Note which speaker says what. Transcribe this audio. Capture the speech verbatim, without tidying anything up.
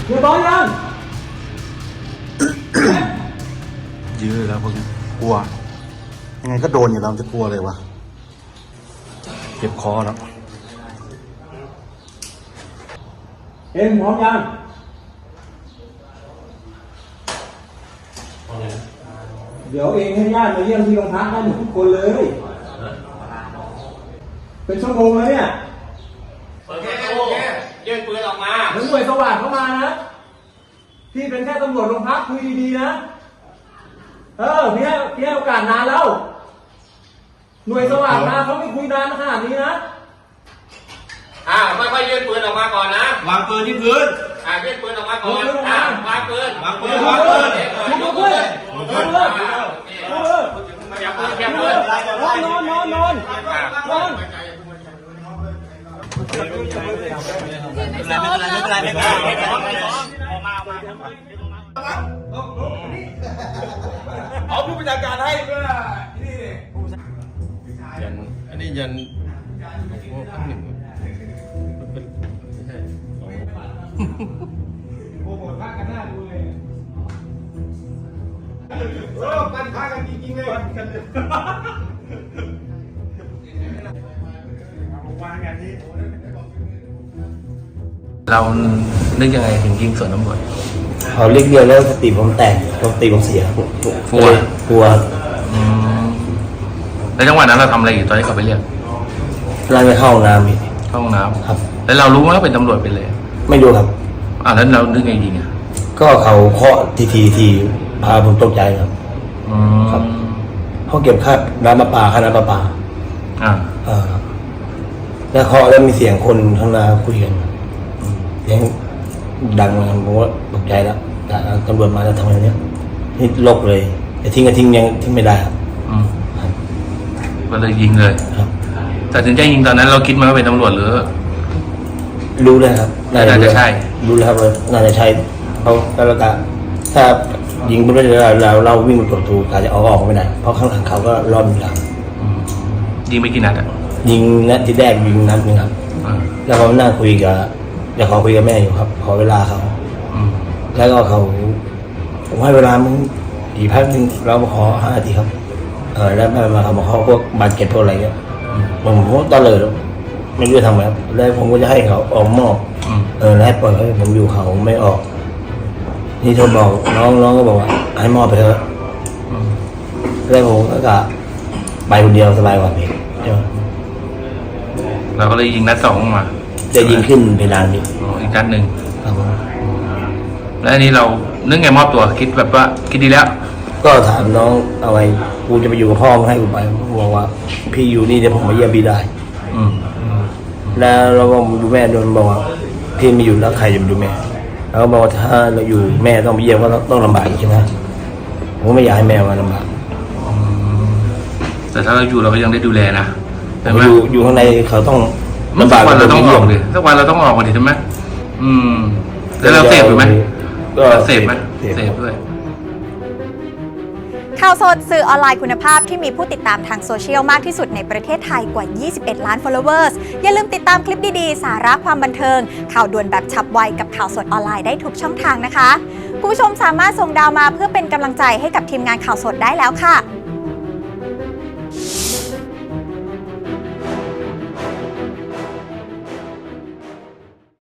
Speaker 1: เดี๋ยวตอนยัง
Speaker 2: ยื้อแล้วพวกนี้กลัวยังไงก็โดนอยู่แล้วจะกลัวเลยวะเจ็บคอแล้ว
Speaker 1: เอ็มพร้อมยังเดี๋ยวเองให้ญาติมาเยี่ยมที่โรงพักได้หมดทุกคนเลยเป็นชั่วโมงแล้วเนี่ย
Speaker 3: โอเคโอเคยื่นปืนออกมา
Speaker 1: แล้วหน่วยสวัสดิ์เข้ามานะพี่เป็นแค่ตำรวจโรงพักคุยดีๆนะเออพี่ให้พี่ให้โอกาสนานแล้วหน่วยสวัสดิ์มาเขาไม่คุยนานขนาดนี้นะ
Speaker 3: อ่าค่อยๆยื่นปืนออกมาก่อนนะ
Speaker 4: วางปืนที่พื้น
Speaker 3: อ่ายื่นปืนออกมาก่อนอ่าวางปืน
Speaker 4: วางปืนวางปืน
Speaker 1: วางปืนวางปืนวางปืน
Speaker 3: อย่าปืนอย่าปืน
Speaker 1: นอนนอนนอนนอน
Speaker 4: ไม่เป็นไรไม่เป็นไรไม่เป็นไรไม่เป็นไรไม่เป็นไรเอาผู้บัญชาการให้เพื่อนี่ยันอันนี้ยันโอ้พันหนึ่ง
Speaker 1: โอ้โหพักกันหน้าดูเลย
Speaker 4: โอ้กันพากันจริงๆเลยกันวางอย่างนี้
Speaker 2: เรานึกยังไงถึงยิงสวนตำรวจ
Speaker 5: เขาเรียกเดียวแล้วสติผมแตกสติผมเสีย
Speaker 2: กลัว
Speaker 5: กลัว
Speaker 2: แล้วจังหวะนั้นเราทำอะไรอยู่ตอนที่เขาไปเรียก
Speaker 5: ไล่ไปเข้าห้องน้ำพี่
Speaker 2: เข้าห้องน้ำ
Speaker 5: ครับ
Speaker 2: แล้วเรารู้ว่าเป็นตำรวจไปเลย
Speaker 5: ไม่รู้ครับ
Speaker 2: อ่าแล้วเรานึกไงยิงอ่ะ
Speaker 5: ก็เขาเคาะทีทีทีพาผมตกใจครับครับเขาเก็บค่าน้ำประปาค่าน้ำประปา
Speaker 2: อ่า
Speaker 5: อ่าแล้วเคาะแล้วมีเสียงคนข้างหน้าคุยกันเสียงดังเลยผมว่าตกใจแล้วตำรวจมาแล้วทำอะไรเนี้ยนี่ลกเลยแต่ทิ้งก็ทิ้งยังทิ้งไม่ได้ครับ
Speaker 2: ก็เลยยิงเลย
Speaker 5: ครับ
Speaker 2: แต่ถึงใจยิงตอนนั้นเราคิดมาว่าเป็นตำรวจหรือ
Speaker 5: รู้เลยครับ
Speaker 2: น่าจะใช่
Speaker 5: รู้แล้วครับน่าจะใช่เขาแล้วก็ถ้ายิงไปเรื่อยๆเราเราวิ่งไปกดตูอาจจะเอาออกไม่ได้เพราะข้างหลังเขาก็ล้อมอยู่หลัง
Speaker 2: ยิงไปกี่นัดอ่ะ
Speaker 5: ยิงนัดที่แรกยิงนัดนึงครับแล้วเขานั่งคุยกับเดี๋ยวเขาคุยกับแม่อยู่ครับขอเวลาเขาแล้วก็เขาผมให้เวลามึงอีกพักนึงเรามาขอห้านาทีครับเออแล้วแม่มาเขามาขอพวกบาดเจ็บพวกอะไรเงี้ยผมผมตอนเลยไม่รู้จะทำไงครับแล้วผมก็จะให้เขาออกมอบเออแล้วให้ปล่อยให้ผมอยู่เขาไม่ออกนี่โทรบอกน้องน้องก็บอกว่าให้มอบไปเถอะแล้วผมก็ไปคนเดียวสบายกว่าพี่
Speaker 2: เราก็เลยยิงนัดสองมา
Speaker 5: จะยิงขึ้นเพดานพี่
Speaker 2: อีกนัดหนึ่ง
Speaker 5: ครับผม
Speaker 2: แล้วอันนี้เรานึกไงมอบตัวคิดแบบว่าคิดดีแล้ว
Speaker 5: ก็ถามน้องเอาไว้กูจะไปอยู่กับพ่อให้กูไปบอกว่าพี่อยู่นี่เดี๋ยวผมมาเยี่ยมพี่ได้แล้วเราก็ดูแม่โดนบอกว่าพี่ไม่อยู่แล้วใครจะมาดูแม่แล้วก็บอกว่าถ้าเราอยู่แม่ต้องไปเยี่ยมก็ต้องลำบากใช่ไหมผมก็ไม่อยากให้แม่มาลำบาก
Speaker 2: แต่ถ้าเราอยู่เราก็ยังได้ดูแลนะ
Speaker 5: แต่อยู่อยู่ข้างในเขาต้อง
Speaker 2: ลำบากวันเราต้องออกดิสักวันเราต้องออกมาดิใช่ไหมอืมแล้วเราเสพไหมก็เสพไหมเสพด้วย
Speaker 6: ข่าวสดสื่อออนไลน์คุณภาพที่มีผู้ติดตามทางโซเชียลมากที่สุดในประเทศไทยกว่ายี่สิบเอ็ดล้าน followers อย่าลืมติดตามคลิปดีๆสาระความบันเทิงข่าวด่วนแบบฉับไวกับข่าวสดออนไลน์ได้ทุกช่องทางนะคะคุณผู้ชมสามารถส่งดาวมาเพื่อเป็นกำลังใจให้กับทีมงานข่าวสดได้แล้วค่ะ